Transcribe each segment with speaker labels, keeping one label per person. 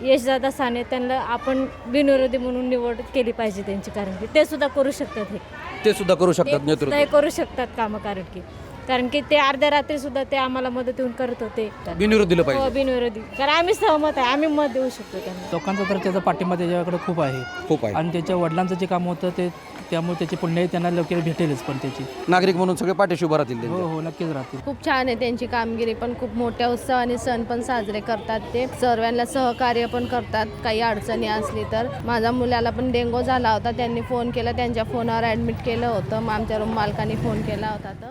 Speaker 1: यशदादा साने त्यांना आपण बिनविरोधी म्हणून निवड केली पाहिजे त्यांची, कारण की ते सुद्धा करू शकतात.
Speaker 2: ते सुद्धा करू शकतात नेतृत्व.
Speaker 1: ते करू शकतात कामं, कारण की ते अर्ध्या रात्री सुद्धा ते आम्हाला मदत येऊन करत होते.
Speaker 2: बिनविरोध दिलं पाहिजे.
Speaker 1: बिनविरोधी, कारण आम्ही सहमत आहे, आम्ही मत देऊ शकतो त्यांना.
Speaker 3: लोकांचा तर त्याचा पाठिंबा त्याच्याकडे खूप आहे आणि त्याच्या वडिलांचं जे काम होतं ते त्यामुळे त्याची पुण्याही त्यांना लवकर भेटेलच. पण त्याची
Speaker 2: नागरिक म्हणून सगळे पाठीशी उभं राहतील.
Speaker 3: हो नक्कीच राहतील.
Speaker 4: खूप छान आहे त्यांची कामगिरी, पण खूप मोठ्या उत्सवाने सण पण साजरे करतात. ते सर्वांना सहकार्य पण करतात. काही अडचणी असली तर माझ्या मुलाला पण डेंगू झाला होता, त्यांनी फोन केला, त्यांच्या फोनवर ॲडमिट केलं होतं. मग आमच्या रूम मालकाने फोन केला होता. तर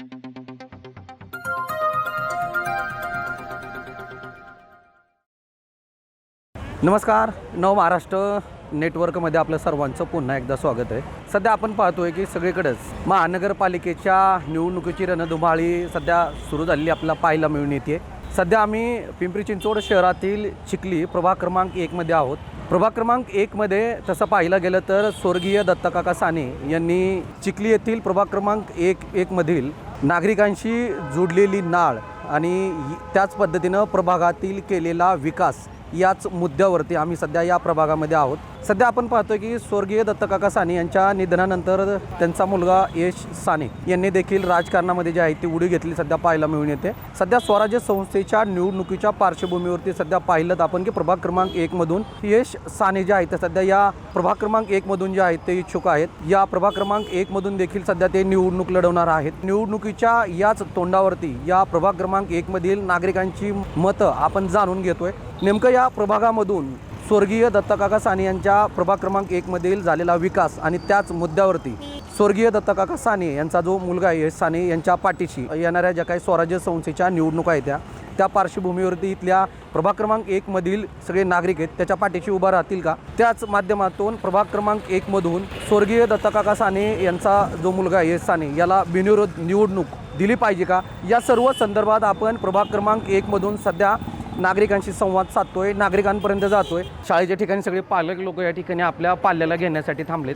Speaker 2: नमस्कार, नव महाराष्ट्र नेटवर्कमध्ये आपलं सर्वांचं पुन्हा एकदा स्वागत आहे. सध्या आपण पाहतोय की सगळीकडेच महानगरपालिकेच्या निवडणुकीची रणधुमाळी सध्या सुरू झालेली आपल्याला पाहायला मिळून येते. सध्या आम्ही पिंपरी चिंचवड शहरातील चिखली प्रभाग क्रमांक 1मध्ये आहोत. प्रभाग क्रमांक 1मध्ये तसं पाहिलं गेलं तर स्वर्गीय दत्तकाका साने यांनी चिखली येथील प्रभाग क्रमांक 1मधील नागरिकांशी जोडलेली नाळ आणि त्याच पद्धतीनं प्रभागातील केलेला विकास याच मुद्द्यावरती आम्ही सध्या या प्रभागामध्ये आहोत. सध्या आपण पाहतोय की स्वर्गीय दत्तकाका साने यांच्या निधनानंतर त्यांचा मुलगा यश साने यांनी देखील राजकारणामध्ये जी आहे ती उडी घेतली सध्या पाहायला मिळून येते. सध्या स्वराज्य संस्थेच्या निवडणुकीच्या पार्श्वभूमीवरती सध्या पाहिलं तर आपण की प्रभाग क्रमांक 1मधून यश साने जे आहेत ते सध्या या प्रभाग क्रमांक 1मधून जे आहेत ते इच्छुक आहेत. या प्रभाग क्रमांक 1मधून देखील सध्या ते निवडणूक लढवणार आहेत. निवडणुकीच्या याच तोंडावरती या प्रभाग क्रमांक 1मधील नागरिकांची मतं आपण जाणून घेतोय. नेमकं या प्रभागामधून स्वर्गीय दत्तकाका साने यांच्या प्रभाग क्रमांक 1मधील झालेला विकास आणि त्याच मुद्द्यावरती स्वर्गीय दत्तकाका साने यांचा जो मुलगा आहे यश साने यांच्या पाठीशी येणाऱ्या ज्या काही स्वराज्य संस्थेच्या निवडणुका आहेत त्या पार्श्वभूमीवरती इथल्या प्रभाग क्रमांक 1मधील सगळे नागरिक आहेत त्याच्या पाठीशी उभा राहतील का, त्याच माध्यमातून प्रभाग क्रमांक 1मधून स्वर्गीय दत्तकाका साने यांचा जो मुलगा आहे यश साने याला बिनविरोध निवडणूक दिली पाहिजे का, या सर्व संदर्भात आपण प्रभाग क्रमांक 1मधून सध्या नागरिकांशी संवाद साधतोय, नागरिकांपर्यंत जातोय. शाळेच्या ठिकाणी सगळे पालक लोक या ठिकाणी आपल्या पाल्याला घेण्यासाठी थांबलेत.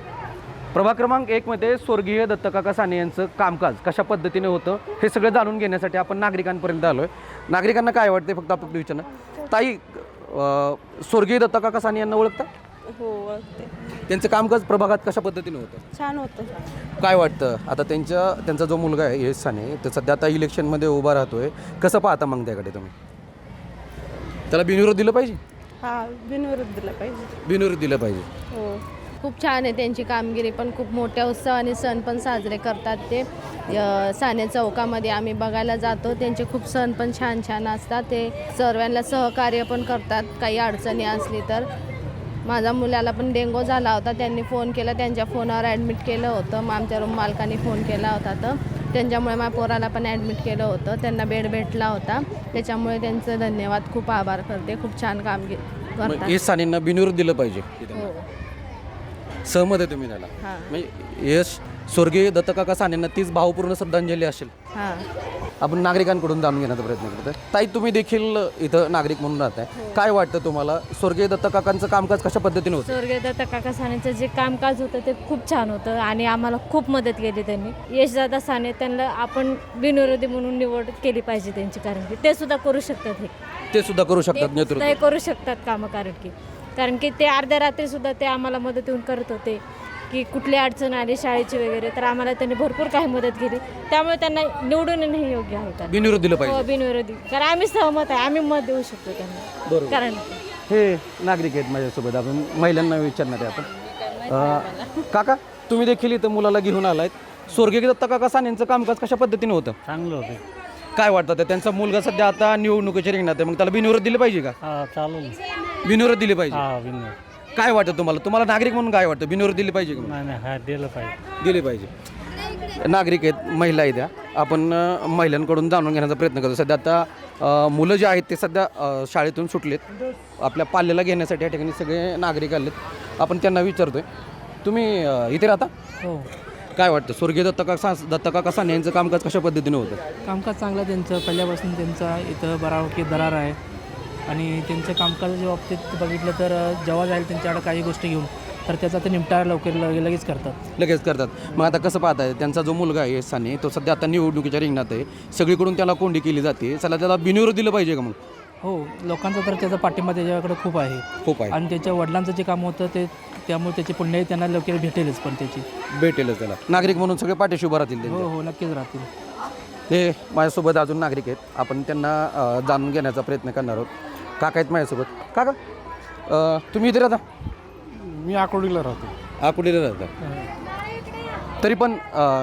Speaker 2: प्रभाग क्रमांक 1मध्ये स्वर्गीय दत्तकाका साने यांचं कामकाज कशा पद्धतीने होतं हे सगळं जाणून घेण्यासाठी आपण नागरिकांपर्यंत आलोय. नागरिकांना काय वाटते फक्त आपण विचारणं. ताई, स्वर्गीय दत्तकाका साने यांना ओळखता?
Speaker 5: हो ओळखते.
Speaker 2: त्यांचं कामकाज प्रभागात कशा पद्धतीने होतं?
Speaker 5: छान होतं.
Speaker 2: काय वाटतं आता त्यांचा जो मुलगा आहे यश साने तर सध्या आता इलेक्शनमध्ये उभा राहतोय, कसं पाहता मग त्याकडे तुम्ही? त्याला बिनविरोध दिलं पाहिजे?
Speaker 5: हा, बिनविरोध दिला पाहिजे.
Speaker 2: बिनविरोध दिलं पाहिजे.
Speaker 5: हो.
Speaker 4: खूप छान आहे त्यांची कामगिरी, पण खूप मोठ्या उत्सवाने सण पण साजरे करतात. ते साने चौकामध्ये आम्ही बघायला जातो. त्यांचे खूप सण पण छान छान असतात. ते सर्वांना सहकार्य पण करतात. काही अडचणी असली तर माझ्या मुलाला पण डेंगू झाला होता, त्यांनी फोन केला, त्यांच्या फोनवर ॲडमिट केलं होतं. मग आमच्या रूम मालकाने फोन केला होता, तर त्यांच्यामुळे माझ्या पोराला पण ॲडमिट केलं होतं. त्यांना बेड भेटला होता, त्याच्यामुळे त्यांचं धन्यवाद, खूप आभार करते. खूप छान कामगिरी करतात.
Speaker 2: यश सानेंना बिनविरोध दिलं पाहिजे.
Speaker 4: हो.
Speaker 2: सहमत आहे तुम्ही त्याला?
Speaker 4: हां
Speaker 2: म्हणजे यश स्वर्गीय दत्तकाका सानेंना तीच भावपूर्ण श्रद्धांजली असेल.
Speaker 4: हां.
Speaker 2: आपण नागरिकांकडून जाणून घेण्याचा प्रयत्न करतोय. ताई, तुम्ही देखील इथं नागरिक म्हणून राहताय, काय वाटतं तुम्हाला स्वर्गीय दत्तकाकांचं कामकाज कशा पद्धतीने होतं?
Speaker 1: स्वर्गीय दत्तकाका सानेचं जे कामकाज होतं ते खूप छान होतं आणि आम्हाला खूप मदत केली त्यांनी. यशदादा साने त्यांना आपण बिनविरोधी म्हणून निवड केली पाहिजे त्यांची, कारण की ते सुद्धा करू शकतात.
Speaker 2: ते सुद्धा करू शकतात नेतृत्व.
Speaker 1: ते करू शकतात कामं, कारण की ते अर्ध्या रात्री सुद्धा ते आम्हाला मदत येऊन करत होते. की कुठली अडचण आली शाळेची वगैरे तर आम्हाला त्यांनी भरपूर काही मदत केली. त्यामुळे त्यांना निवडून येणं योग्य आहे.
Speaker 2: बिनविरोध दिलं पाहिजे.
Speaker 1: हो, बिनविरोधी, कारण आम्ही सहमत आहे, आम्ही मत देऊ शकतो त्यांना.
Speaker 2: बरोबर.
Speaker 1: कारण
Speaker 2: हे नागरिक आहेत माझ्यासोबत, आपण महिलांना विचारणार आहे आपण. काका, तुम्ही देखील इथं मुलाला घेऊन आलायत. स्वर्गीय दत्तकाका सानेंचं कामकाज कशा पद्धतीने होतं?
Speaker 3: चांगलं होतं.
Speaker 2: काय वाटतं त्यांचा मुलगा सध्या आता निवडणुकीच्या रिंगणात आहे, मग त्याला बिनविरोध दिलं पाहिजे का?
Speaker 3: हां चालेल.
Speaker 2: बिनविरोध दिले पाहिजे.
Speaker 3: हां बिनविरोध.
Speaker 2: काय वाटतं तुम्हाला नागरिक म्हणून काय वाटतं, बिनविरोध दिली पाहिजे का?
Speaker 3: नाही हां दिलं पाहिजे.
Speaker 2: दिले पाहिजे. नागरिक आहेत, महिला आहेत, आपण महिलांकडून जाणून घेण्याचा प्रयत्न करतो. सध्या आता मुलं जे आहेत ते सध्या शाळेतून सुटलेत, आपल्या पाल्याला घेण्यासाठी या ठिकाणी सगळे नागरिक आलेत. आपण त्यांना विचारतोय, तुम्ही इथे राहता?
Speaker 3: हो.
Speaker 2: काय वाटतं स्वर्गीय दत्तकाका साने यांचं कामकाज कशा पद्धतीने होतं?
Speaker 3: कामकाज चांगलं त्यांचं, पहिल्यापासून त्यांचा इथं बरावकी दरार आहे आणि त्यांच्या कामकाजाच्या बाबतीत बघितलं तर जेव्हा जाईल त्यांच्याकडे काही गोष्टी घेऊन तर त्याचा ते निपटारा लगेच करतात.
Speaker 2: मग आता कसं पाहताय, त्यांचा जो मुलगा आहे यश साने तो सध्या आता निवडणुकीच्या रिंगणात आहे, सगळीकडून त्याला कोंडी केली जाते, चला त्याला बिनविरोध दिलं पाहिजे का? मग
Speaker 3: हो, लोकांचा तर त्याचा पाठिंबा त्याच्याकडे खूप आहे
Speaker 2: खूप आहे
Speaker 3: आणि त्याच्या वडिलांचं जे काम होतं ते त्यामुळे त्याची पुण्याही त्यांना लवकर भेटेलच पण त्याची.
Speaker 2: भेटेलच त्याला. नागरिक म्हणून सगळे पाठीशी उभं राहतील त्यांच्या.
Speaker 3: हो, नक्कीच राहतील.
Speaker 2: हे माझ्यासोबत अजून नागरिक आहेत, आपण त्यांना जाणून घेण्याचा प्रयत्न करणार आहोत. काका आहेत माझ्यासोबत. काका तुम्ही इथे राहता?
Speaker 6: मी आकुर्डीला राहतो.
Speaker 2: आकुर्डीला राहता. तरी पण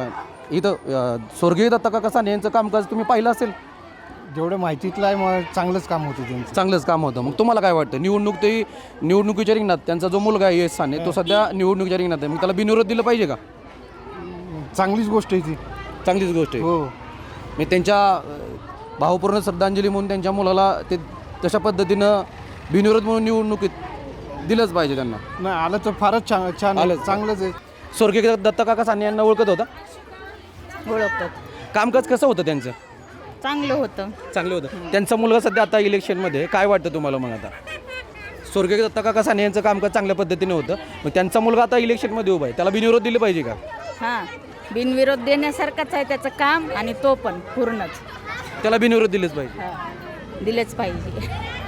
Speaker 2: इथं स्वर्गीय दत्ता काका साने यांचं कामकाज तुम्ही पाहिलं असेल.
Speaker 6: जेवढं माहितीतलं आहे मग चांगलंच काम होतं त्यांचं.
Speaker 2: चांगलंच काम होतं. मग तुम्हाला काय वाटतं? निवडणुकीच्या रिंगणात त्यांचा जो मुलगा आहे यश साने तो सध्या निवडणुकीच्या रिंगणात आहे, मग त्याला बिनविरोध दिलं पाहिजे का?
Speaker 6: चांगलीच गोष्ट आहे ती.
Speaker 2: चांगलीच गोष्ट आहे.
Speaker 6: हो,
Speaker 2: मी त्यांच्या भावपूर्ण श्रद्धांजली म्हणून त्यांच्या मुलाला ते तशा पद्धतीनं बिनविरोध म्हणून निवडणुकीत दिलंच पाहिजे त्यांना.
Speaker 6: नाही आलं तर फारच छान छान आहे.
Speaker 2: आलंच.
Speaker 6: चांगलंच आहे.
Speaker 2: स्वर्गीय दत्ता काका साने यांना ओळखत होता?
Speaker 5: ओळखतात.
Speaker 2: कामकाज कसं होतं त्यांचं?
Speaker 5: चांगलं होतं.
Speaker 2: चांगलं होतं. त्यांचा मुलगा सध्या आता इलेक्शनमध्ये. काय वाटतं तुम्हाला मग आता? स्वर्गीय दत्ता काका साने यांचं कामकाज चांगल्या पद्धतीने होतं, मग त्यांचा मुलगा आता इलेक्शनमध्ये उभा आहे, त्याला बिनविरोध दिलं पाहिजे का?
Speaker 5: हां, बिनविरोध देण्यासारखंच आहे त्याचं काम आणि तो पण पूर्णच
Speaker 2: त्याला बिनविरोध दिलंच पाहिजे.
Speaker 5: दिलेच पाहिजे.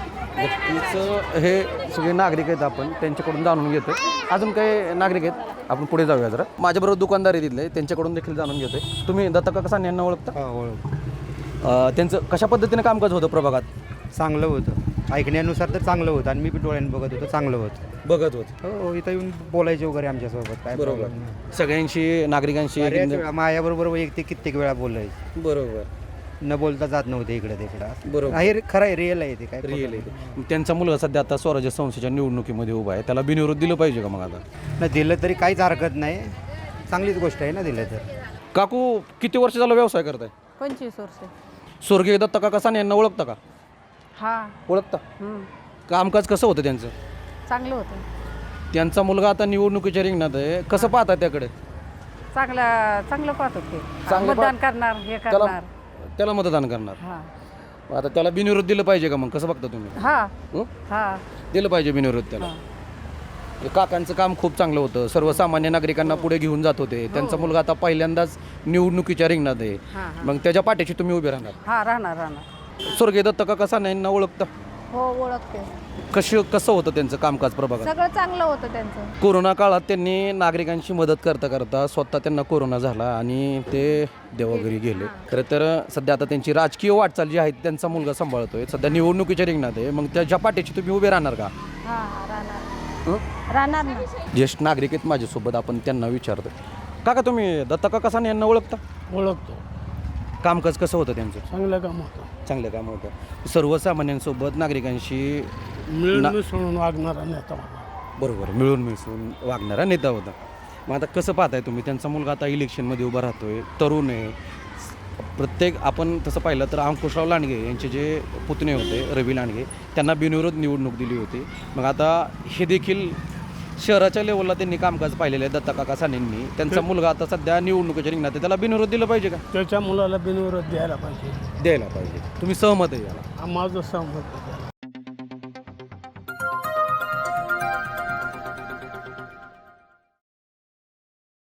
Speaker 2: नक्कीच हे सगळे नागरिक आहेत, आपण त्यांच्याकडून जाणून घेतोय. अजून काही नागरिक आहेत, आपण पुढे जाऊया जरा. माझ्याबरोबर दुकानदार आहे तिथले, त्यांच्याकडून देखील जाणून घेतोय. तुम्ही दत्ता काका साने यांना ओळखता? त्यांचं कशा पद्धतीने कामकाज होतं प्रभागात?
Speaker 7: चांगलं होतं. ऐकण्यानुसार तर चांगलं होतं आणि मी पण डोळ्यानं बघत होतो, चांगलं होतं.
Speaker 2: बघत होत.
Speaker 7: हो, इथं येऊन बोलायचे वगैरे आमच्यासोबत काय
Speaker 2: बरोबर.
Speaker 7: problem नाही.
Speaker 2: सगळ्यांशी नागरिकांशी
Speaker 7: बऱ्याच वेळा माझ्याबरोबर वैयक्तिक कित्येक वेळा बोलायचे,
Speaker 2: बरोबर
Speaker 7: न बोलता जात नव्हते इकडं तिकडं.
Speaker 2: बरोबर.
Speaker 7: हे खरं आहे, रिअल आहे ते काय
Speaker 2: रिअल आहे. त्यांचा मुलगा सध्या आता स्वराज्य संस्थेच्या निवडणुकीमध्ये उभा आहे, त्याला बिनविरोध दिलं पाहिजे का मग आता?
Speaker 7: नाही दिलं तरी काहीच हरकत नाही, चांगलीच गोष्ट आहे ना दिलं तर.
Speaker 2: काकू किती वर्ष झालं व्यवसाय करताय?
Speaker 5: 25 वर्ष.
Speaker 2: स्वर्गीय दत्ता काका साने यांना ओळखता का?
Speaker 5: हां,
Speaker 2: ओळखता. कामकाज कसं होतं त्यांचं?
Speaker 5: चांगलं होतं.
Speaker 2: त्यांचा मुलगा आता निवडणुकीच्या रिंगणात आहे, कसं पाहता त्याकडे?
Speaker 5: चांगलं पाहत होते.
Speaker 2: चांगलं
Speaker 5: मतदान करणार, हे
Speaker 2: त्याला
Speaker 5: करणार.
Speaker 2: त्याला मतदान करणार.
Speaker 5: हां
Speaker 2: आता त्याला बिनविरोध दिलं पाहिजे का मग? कसं बघता तुम्ही?
Speaker 5: हां
Speaker 2: हं?
Speaker 5: हां.
Speaker 2: दिलं पाहिजे बिनविरोध त्याला. हे काकांचं काम खूप चांगलं होतं, सर्वसामान्य नागरिकांना पुढे घेऊन जात होते. त्यांचा मुलगा आता पहिल्यांदाच निवडणुकीच्या रिंगणात आहे, मग त्याच्या पाठीशी तुम्ही उभे राहणार?
Speaker 5: हां, राहणार.
Speaker 2: स्वर्गीय दत्ता काका साने यांना ओळखता?
Speaker 4: हो, ओळखते.
Speaker 2: कसं होतं त्यांचं कामकाज प्रभागात?
Speaker 4: सगळं चांगलं होतं त्यांचं.
Speaker 2: कोरोना काळात त्यांनी नागरिकांची मदत करता करता स्वतः त्यांना कोरोना झाला आणि ते देवाघरी गेले. खरं तर सध्या आता त्यांची राजकीय वाटचाल जी आहे त्यांचा मुलगा सांभाळतोय, सध्या निवडणुकीच्या रिंगणात आहे, मग त्याच्या पाठीशी तुम्ही उभे राहणार का?
Speaker 4: हां, राहणार ना.
Speaker 2: ज्येष्ठ नागरिक आहेत माझ्यासोबत, आपण त्यांना विचारतो. काका तुम्ही दत्ता काका साने यांना ओळखता?
Speaker 6: ओळखतो.
Speaker 2: कामकाज कसं होतं त्यांचं?
Speaker 6: चांगलं काम होतं.
Speaker 2: चांगलं काम होतं. सर्वसामान्यांसोबत नागरिकांशी
Speaker 6: मिळून मिसळून वागणारा नेता होता.
Speaker 2: बरोबर मिळून मिसळून वागणारा नेता होता. मग आता कसं पाहताय तुम्ही? त्यांचा मुलगा आता इलेक्शनमध्ये उभा राहतोय, तरुण आहे. प्रत्येक आपण तसं पाहिलं तर अंकुशराव लांडगे यांचे जे पुतणे होते रवी लांडगे, त्यांना बिनविरोध निवडणूक दिली होती. मग आता हे देखील शहराच्या लेवलला त्यांनी कामकाज पाहिलेलं आहे दत्ता काका सानेंनी. त्यांचा मुलगा आता सध्या निवडणुकीच्या रिंगणात आहे, त्याला बिनविरोध दिलं पाहिजे का?
Speaker 6: त्याच्या मुलाला बिनविरोध द्यायला पाहिजे.
Speaker 2: द्यायला पाहिजे. तुम्ही सहमत आहे याला?
Speaker 6: माझं सहमत.